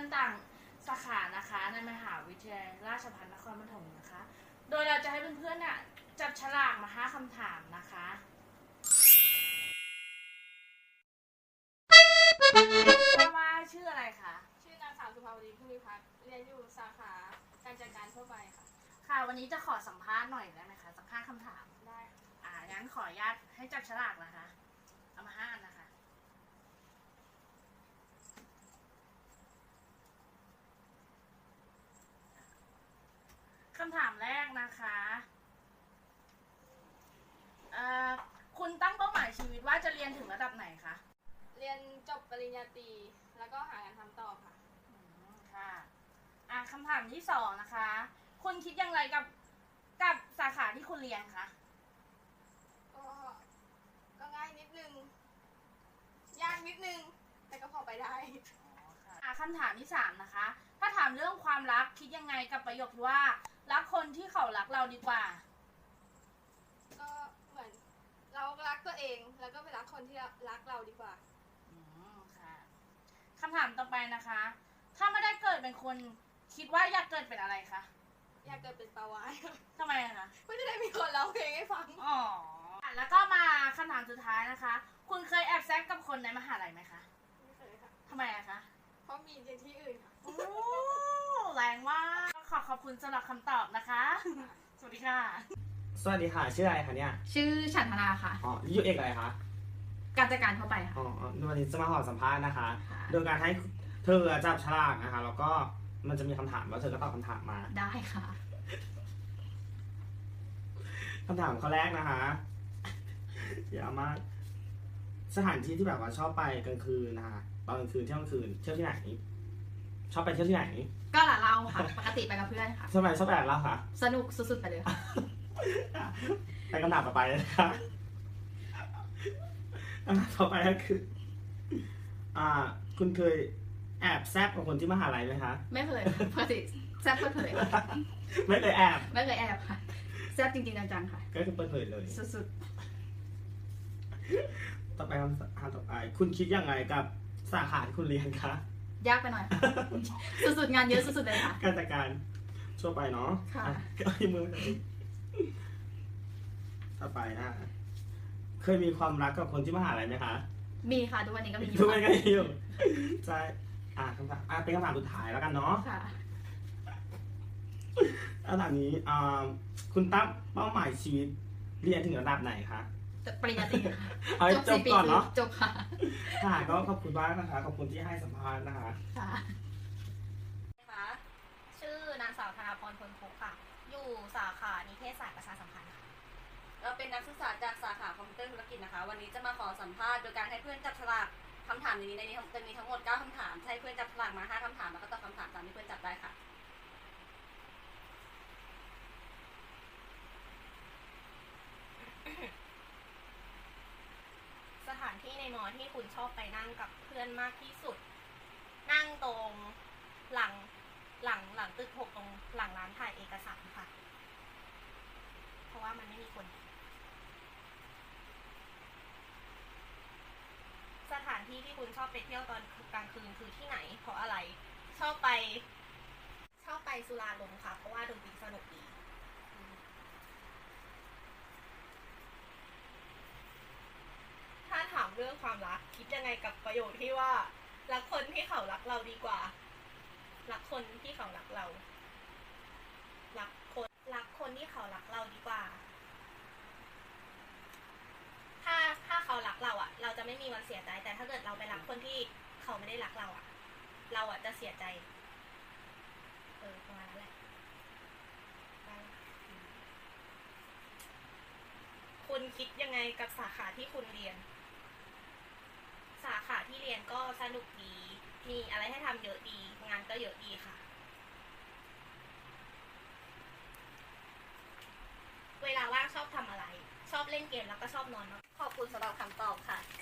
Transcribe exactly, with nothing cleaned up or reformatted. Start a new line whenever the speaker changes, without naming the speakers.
ต่างสาขานะคะในมหาวิทยาลัยราชภัฏนครปฐมนะคะ โดยเราจะให้เพื่อนๆเนี่ยจับฉลากมาห้าคำถามนะคะว่าชื่ออะไรคะ
ชื่อนางสาวสุภาวดีพึ่งวิพัฒน์เรียนอยู่สาขาการจัดการทั่วไปค่ะ
ค่ะวันนี้จะขอสัมภาษณ์หน่อยได้ไหมคะสักห้าคำถาม
ได้
อ่างั้นขออนุญาตให้จับฉลากนะคะเอามาห้าอันนะคะคำถามแรกนะคะเอ่อคุณตั้งเป้าหมายชีวิตว่าจะเรียนถึงระดับไหนคะ
เรียนจบปริญญาตรีแล้วก็หางานทำต่อค่ะ
อืมค่ะอ่าคำถามที่สองนะคะคุณคิดอย่างไรกับกับสาขาที่คุณเรียนคะ
ก็ก็ง่ายนิดนึงยากนิดนึงแต่ก็พอไปได้
อ่าคำถามที่สามนะคะถ้าถามเรื่องความรักคิดยังไงกับประโยคที่ว่ารักคนที่เขารักเราดีกว่า
ก็เหมือนเรารักตัวเองแล้วก็ไปรักคนที่รักเราดีกว่า
อืมค่ะคำถามต่อไปนะคะถ้าไม่ได้เกิดเป็นคนคิดว่าอยากเกิดเป็นอะไรคะ
อยากเกิดเป็นปลาวาฬ
ทำไมคะ
เพื่อจะได้มีคนร้องเพลงให้ฟัง
อ๋อแล้วก็มาคำถามสุดท้ายนะคะคุณเคยแอบแซกกับคนในมหาลัยไหมคะ
ไม่เคยค่ะ
ทำไมอะคะ
เพราะมีในที่อื่นค่ะ
โอ้แรงมากขอขอบคุณสำหรับคำตอบนะคะสวัสดีค่ะ
สวัสดีค่ะชื่ออะไรคะเนี่ย
ชื่อฉันธนาค่ะ
อ๋ออยู่เอกอะไรคะ
การจัดการทั่วไปค่ะ
อ๋อวันนี้จะมาขอสัมภาษณ์นะคะโดยการให้เธอจับฉลากนะคะแล้วก็มันจะมีคำถามแล้วเธอก็ตอบคำถามมา
ได้ค่ะ
คำถามข้อแรกนะคะอย่ามากสถานที่ที่แบบว่าชอบไปกลางคืนนะคะตอนกลางคืนเที่ยวกลางคืนเที่ยวที่ไหนชอบไปเที่ยวที่ไหน
ก็หลาเราค่ะปกติไปกับเพื่อนค่ะ
ทำไมชอบไปเล่าคะ
สนุกสุดๆไปเลยค่ะ
ไปคำถามต่อไปเลยนะคะคำถามต่อไปก็คืออ่าคุณเคยแอบแซบกับคนที่มหาลัยไหมคะ
ไม่เคยปกติแซบเปิดเผย
ไม่เคยแอบ
ไม่เคยแอบค่ะแซบจริงๆจังๆค่ะ
ก็คือเปิดเผยเลย
สุด
ๆต่อไปคำถามต่อไปคุณคิดยังไงกับสาขาที่คุณเรียนคะ
ยากไปหน่อยสุดๆงานเยอะสุดๆเลยค่ะ
การจัดการชั่วไปเนาะ
ค่ะ
ก็ยังมือต่อไปนะเคยมีความรักกับคนที่มหาลัยไหมคะ
มีค่ะทุกวันนี้ก็มี
ทุกวันก็มีอยู่ใช่อ่าคำถามอ่าเป็นคำถามสุดท้ายแล้วกันเนาะ
ค่ะ
คำถามนี้อ่าคุณตั้งเป้าหมายชีวิตเรียนถึงระดับไหนคะ
ปริญญาตรีค่ะ
จบก่อนเนาะ
จบค่ะ
ค่ะก็ขอบคุณมากนะคะขอบคุณที่ให้สัมภาษณ์นะคะ
ค่ะ
ค่ะชื่อนางสาวธนาพรพลพุกค่ะอยู่สาขานิเทศศาสตร์ประชาสัมพันธ์ค่ะเราเป็นนักศึกษาจากสาขาคอมพิวเตอร์ธุรกิจนะคะวันนี้จะมาขอสัมภาษณ์โดยการให้เพื่อนจับฉลากคำถามในนี้ในนี้จะมีทั้งหมดเก้าคำถามให้เพื่อนจับฉลากมาห้าคำถามแล้วก็ตอบคำถามตามที่เพื่อนจับได้ค่ะสถานที่ในมอที่คุณชอบไปนั่งกับเพื่อนมากที่สุดนั่งตรงหลังหลังหลังตึกหกตรงหลังร้านถ่ายเอกสารค่ะเพราะว่ามันไม่มีคนสถานที่ที่คุณชอบไปเที่ยวตอนกลางคืนคือที่ไหนเพราะอะไรชอบไปชอบไปสุราลงค่ะเพราะว่าดนตรีสนุกดีถ้าถามเรื่องความรักคิดยังไงกับประโยคที่ว่ารักคนที่เขารักเราดีกว่ารักคนที่เขารักเรารักคนรักคนที่เขารักเราดีกว่าถ้าถ้าเขารักเราอ่ะเราจะไม่มีวันเสียใจแต่ถ้าเกิดเราไปรักคนที่เขาไม่ได้รักเราอ่ะเราอ่ะจะเสียใจเออประมาณนั้นแหละคุณคิดยังไงกับสาขาที่คุณเรียนสาขาที่เรียนก็สนุกดีมีอะไรให้ทำเยอะดีงานก็เยอะดีค่ะเวลาว่างชอบทำอะไรชอบเล่นเกมแล้วก็ชอบนอนขอบคุณสำหรับคำตอบค่ะ